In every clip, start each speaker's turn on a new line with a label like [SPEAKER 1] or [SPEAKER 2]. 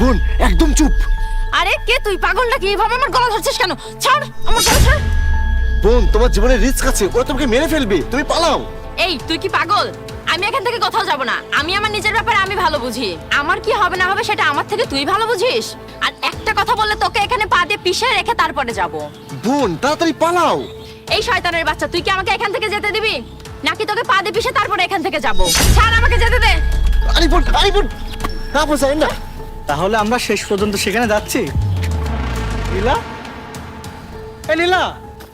[SPEAKER 1] বোন একদম চুপ।
[SPEAKER 2] আরে কে তুই? পাগল নাকি? এভাবে আমার গলা ধরছিস কেন? ছাড় আমার গলা, ছাড়।
[SPEAKER 1] বোন তোমার জীবনে রিস্ক আছে, ওরা তোমাকে মেরে ফেলবে, তুমি পালাও।
[SPEAKER 2] এই তুই কি পাগল? আমি এখান থেকে কোথাও যাব না। আমি আমার নিজের ব্যাপারে আমি ভালো বুঝি। আমার কি হবে না হবে সেটা আমার থেকে তুই ভালো বুঝিস। আর একটা কথা বললে তোকে এখানে পা দিয়ে পিষে রেখে তারপরে যাব।
[SPEAKER 1] বোন তাড়াতাড়ি পালাও।
[SPEAKER 2] এই শয়তানের বাচ্চা, তুই কি আমাকে এখান থেকে যেতে দিবি নাকি তোকে পা দিয়ে পিষে তারপরে এখান থেকে যাব? ছাড়, আমাকে যেতে দে।
[SPEAKER 1] আরে বোন না বোঝাই না।
[SPEAKER 3] তাহলে আমরা শেষ পর্যন্ত সেখানে যাচ্ছি। লীলা, এ লীলা,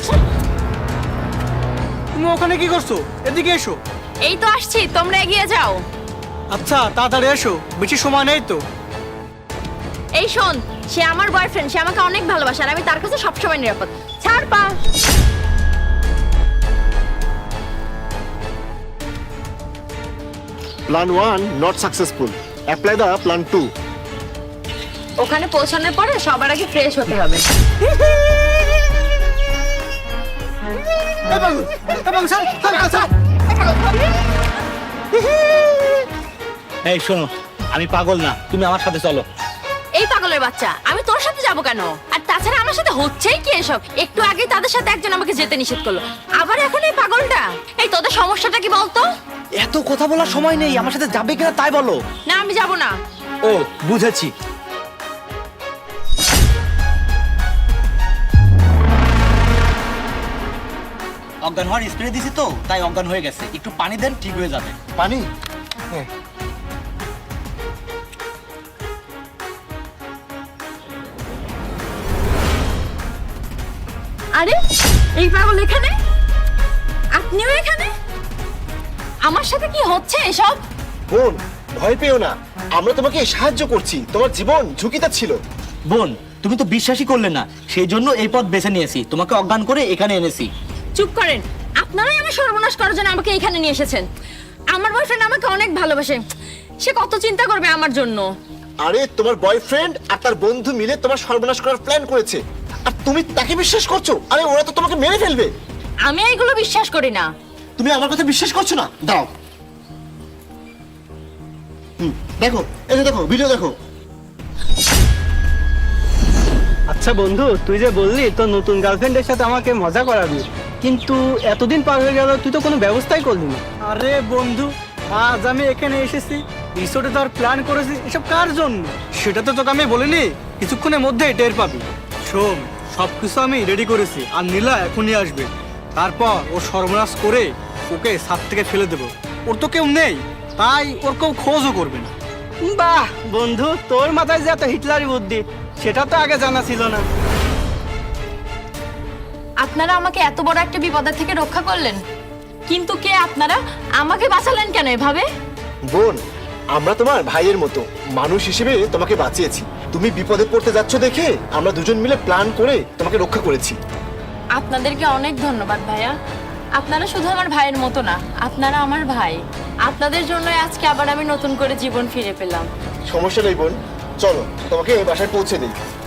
[SPEAKER 3] তুমি ওখানে কি করছো? এদিকে এসো।
[SPEAKER 2] এই তো আসছি, তোমরা এগিয়ে যাও।
[SPEAKER 3] আচ্ছা তাড়াতাড়ি এসো, বেশি সময় নেই তো।
[SPEAKER 2] এই শোন, সে আমার বয়ফ্রেন্ড, সে আমাকে অনেক ভালোবাসে আর আমি তার কাছে সবসময় নিরাপদ। ছাড় পা।
[SPEAKER 1] Plan 1 not successful, apply the plan 2।
[SPEAKER 2] ওখানে পৌঁছানোর পরে সবার আগে ফ্রেশ হতে হবে।
[SPEAKER 3] এই শোনো, আমি পাগল না, তুমি আমার সাথে চলো।
[SPEAKER 2] এই পাগলের বাচ্চা, আমি তোর সাথে যাব কেন? আর তাছাড়া আমার সাথে হচ্ছেই কি এসব? একটু আগে তাদের সাথে একজন আমাকে যেতে নিষেধ করলো, আবার এখন এই পাগলটা। এই তোদের সমস্যাটা কি বলতো?
[SPEAKER 3] এত কথা বলার সময় নেই, আমার সাথে যাবে কিনা তাই বলো।
[SPEAKER 2] না আমি যাব না।
[SPEAKER 3] ও বুঝেছি। অজ্ঞান হওয়ার স্প্রে দিছি তো, তাই অজ্ঞান হয়ে গেছে। একটু পানি দেন, ঠিক হয়ে যাবে।
[SPEAKER 1] পানি?
[SPEAKER 2] আরে এই পাগল এখানে, আপনিও এখানে? আমার সাথে কি হচ্ছে এসব?
[SPEAKER 1] বোন ভয় পেও না, আমরা তোমাকে সাহায্য করছি, তোমার জীবন ঝুঁকিতে ছিল।
[SPEAKER 4] বোন, তুমি তো বিশ্বাসই করলে না, সেই জন্য এই পথ বেছে নিয়েছি, তোমাকে অজ্ঞান করে এখানে এনেছি।
[SPEAKER 2] চুপ করেন, আপনারাই আমার সর্বনাশ করার জন্য আমাকে এখানে নিয়ে এসেছেন। আমার বয়ফ্রেন্ড আমাকে অনেক ভালোবাসে, সে কত চিন্তা করবে আমার জন্য।
[SPEAKER 1] আরে তোমার বয়ফ্রেন্ড আর তার বন্ধু মিলে তোমার সর্বনাশ করার প্ল্যান করেছে, আর তুমি তাকে বিশ্বাস করছো? আরে ওরা তো তোমাকে মেরে ফেলবে।
[SPEAKER 2] আমি এইগুলো বিশ্বাস করি না।
[SPEAKER 1] তুমি আমার কথা বিশ্বাস করছো না? দাও দেখো, এই যে দেখো, ভিডিও দেখো।
[SPEAKER 3] আচ্ছা বন্ধু, তুই যে বললি তোর নতুন গার্লফ্রেন্ডের সাথে আমাকে মজা করাবি, কিন্তু এতদিন পার হয়ে গেল তুই তো কোনো ব্যবস্থাই করলি না। আরে বন্ধু, আজ আমি এখানে এসেছি, রিসোর্টে তোর প্ল্যান করেছি, এসব কার জন্য সেটা তো তোকে আমি বলিনি, কিছুক্ষণের মধ্যেই টের পাবি। শোন, সবকিছু আমি রেডি করেছি, আর নীলা এখনই আসবে। তারপর ও সর্বনাশ করে ওকে ছাদ থেকে ফেলে দেবো। ওর তো কেউ নেই, তাই ওর কেউ খোঁজও করবে না। বাহ বন্ধু, তোর মাথায় যে এত হিটলারি বুদ্ধি, সেটা তো আগে জানা ছিল না।
[SPEAKER 2] আপনারা আমাকে এত বড় একটা বিপদের থেকে রক্ষা করলেন, কিন্তু কে আপনারা? আমাকে বাঁচালেন কেন এভাবে?
[SPEAKER 1] বোন, আমরা তোমার ভাইয়ের মতো মানুষ হিসেবে তোমাকে বাঁচিয়েছি। তুমি বিপদে পড়তে যাচ্ছ দেখে আমরা দুজন মিলে প্ল্যান করে তোমাকে রক্ষা করেছি।
[SPEAKER 2] আপনাদেরকে অনেক ধন্যবাদ ভাইয়া। আপনারা শুধু আমার ভাইয়ের মতো না, আপনারা আমার ভাই। আপনাদের জন্য আজকে আবার আমি নতুন করে জীবন ফিরে পেলাম।
[SPEAKER 1] সমস্যা নেই বোন, চলো তোমাকে বাসায় পৌঁছে দিই।